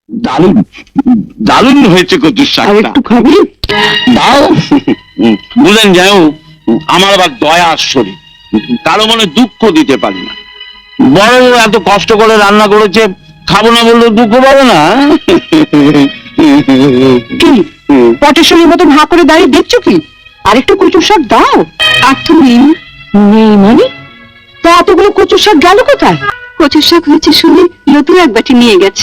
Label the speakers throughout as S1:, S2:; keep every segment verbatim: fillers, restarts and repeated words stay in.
S1: দারুণ দারুণ হয়েছে কচুর
S2: আর
S1: শাকটা।
S2: একটু খাবি?
S1: দাও। বুঝলেন, যাই হোক, আমার আবার দয়া আশ্বরী, কারো মনে দুঃখ দিতে পারি না। বড় এত কষ্ট করে রান্না করেছে, খাবো না বললে দুঃখ পাবো না।
S2: কি পটের সঙ্গে মতন হাঁ করে দাঁড়িয়ে দেখছো কি? আর একটু কচুর শাক দাও। আর তো নেই। নেই মানে? তা এতগুলো কচুর শাক গেল কোথায়?
S3: কচুর শাক হয়েছে শুনে লতু এক বাটি নিয়ে গেছে।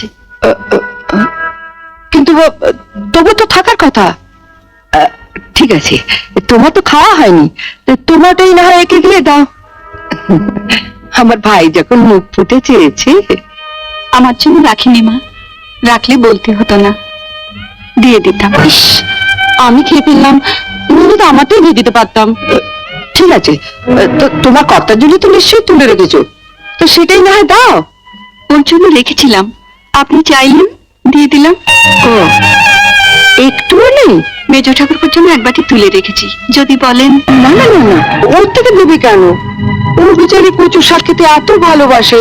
S2: কিন্তু তবু তো থাকার কথা। আহ, ঠিক আছে, তোমার তো খাওয়া হয়নি, তো তোমারটাই না হয় একে দিয়ে দাও। আমার ভাই যখন মুখ ফুটে চেয়েছে।
S3: আমার জন্য রাখিনি মা, রাখলে বলতে হতো না, দিয়ে দিতাম।
S2: ইস, আমি খেয়ে ফেললাম, তুমি তো আমারটাই দিয়ে দিতে পারতাম। ঠিক আছে, তো তোমার কর্তার জন্য তো নিশ্চয়ই তুলে রেখেছো, তো সেটাই না হয় দাও।
S3: ওর জন্য রেখেছিলাম, আপনি চাইলেন দিয়ে দিলাম।
S2: ও, একটুও নেই?
S3: মেজ ঠাকুরপুর জন্য এক বাটি তুলে রেখেছি, যদি বলেন।
S2: না না না না, ওর থেকে দেবে কেন? ও বিচারি কচু শাক খেতে এত ভালোবাসে।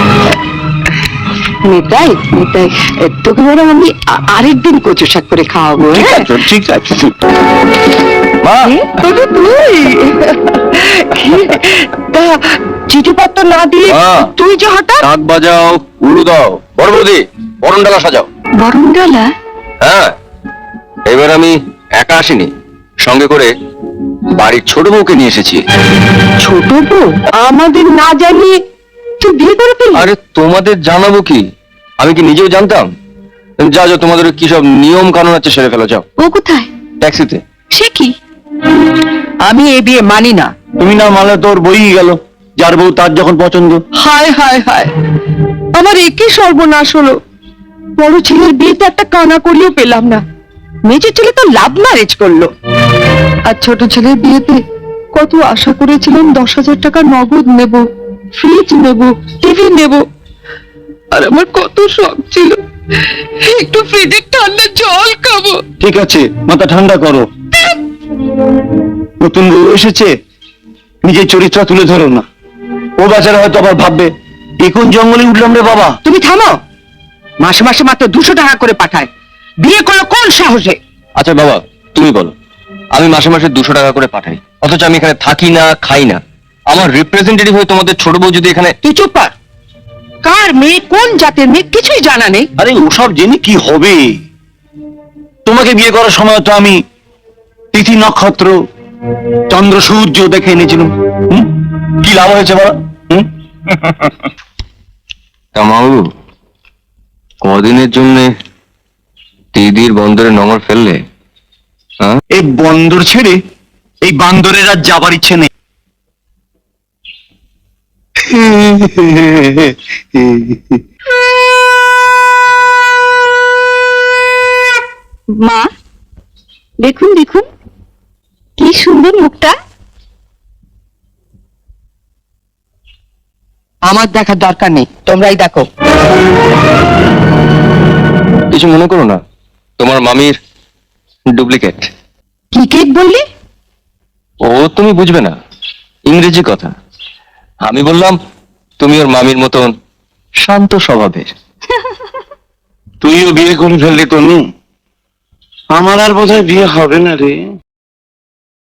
S2: নিতাই নিতাই, তোকে বরং আমি আ- আরেকদিন কচু শাক করে খাওয়াবো।
S1: ঠিক
S2: হ্যাঁ?
S1: আছে, ঠিক আছে। মা,
S2: এ, তবে তুই তা চিঠিপত্র না দিয়ে
S1: হ্যাঁ।
S2: তুই যে হঠাৎ।
S1: শাক বাজাও, উলু দাও, বড় বৌদি বরণ ডালা সাজাও।
S3: বরণডালা?
S1: হ্যাঁ, এবার আমি একা আসিনি, সঙ্গে করে বাড়ির ছোট বউকে নিয়ে এসেছি।
S2: ছোট বউ আমাদের না জানিয়ে তুই বিয়ে করে ফেললি?
S1: আরে তোমাদের জানাবো কি, আমি কি নিজেও জানতাম? যা যা, তোমাদের কি সব নিয়ম কানুন আছে সেরে ফেলো, যাও।
S3: ও কোথায়?
S1: ট্যাক্সিতে।
S3: সে কি?
S2: আমি এ বিয়ে মানি না।
S1: তুমি না মানলে তোর বই গেল, যার বউ তার যখন পছন্দ।
S2: হায় হায় হায়, আমার একই সর্বনাশ হলো। বড় ছেলের বিয়েতে একটা কানা করিও পেলাম না, মেজর ছেলে তো লাভ ম্যারেজ করলো। আর ছোট ছেলের বিয়েতে কত আশা করেছিলাম, দশ হাজার টাকা নগদ নেব, ফ্রিজ নেব, টিভি নেব। আর আমার কত শখ ছিল একটু ফ্রিজের ঠান্ডা জল খাবো।
S1: ঠিক আছে, মাথা ঠান্ডা করো। নতুন বউ এসেছে, নিজের চরিত্র তুলে ধরো না। ও বেচারা হয়তো আবার ভাববে, এখন জঙ্গলে উঠলাম রে বাবা।
S2: তুমি থামো, মাসে মাসে মাত্র দুশো টাকা করে পাঠায়, বিয়ে করলো কোন সাহসে?
S1: আচ্ছা বাবা, তুমি বলো, আমি মাসে মাসে দুশো টাকা করে পাঠাই, অথচ আমি এখানে থাকি না, খাই না। আমার রিপ্রেজেন্টেটিভ হয়ে তোমাদের ছোট বউ যদি এখানে।
S2: তুই চুপ কর। কার মেয়ে, কোন জাতের মেয়ে, কিছুই জানা নেই।
S1: আরে ওসব জেনে কি হবে? তোমাকে বিয়ে করার সময় তো আমি তিথি নক্ষত্র চন্দ্র সূর্য দেখে এনেছিলাম। হুম? কি লাভ হয়েছে বলো? হুম? কামাবু, কদিনের জন্য দিদির বন্দরে নোঙর ফেললে? এই বন্দর ছেড়ে এই বান্দরের আর যাবার ইচ্ছে নেই।
S3: মা, দেখুন দেখুন, কি সুন্দর মুখটা।
S2: আমার দেখার দরকার নেই, তোমরাই দেখো।
S1: কিছু মনে করো না, তোমার মামির ডুপ্লিকেট।
S2: কি কেক বললি?
S1: ও তুমি বুঝবে না, ইংরেজি কথা। আমি বললাম তুমি ওর মামির মতন শান্ত স্বভাবের। তুইও বিয়ে করে ফেললি তনু, আমার আর বোধহয় বিয়ে হবে না রে।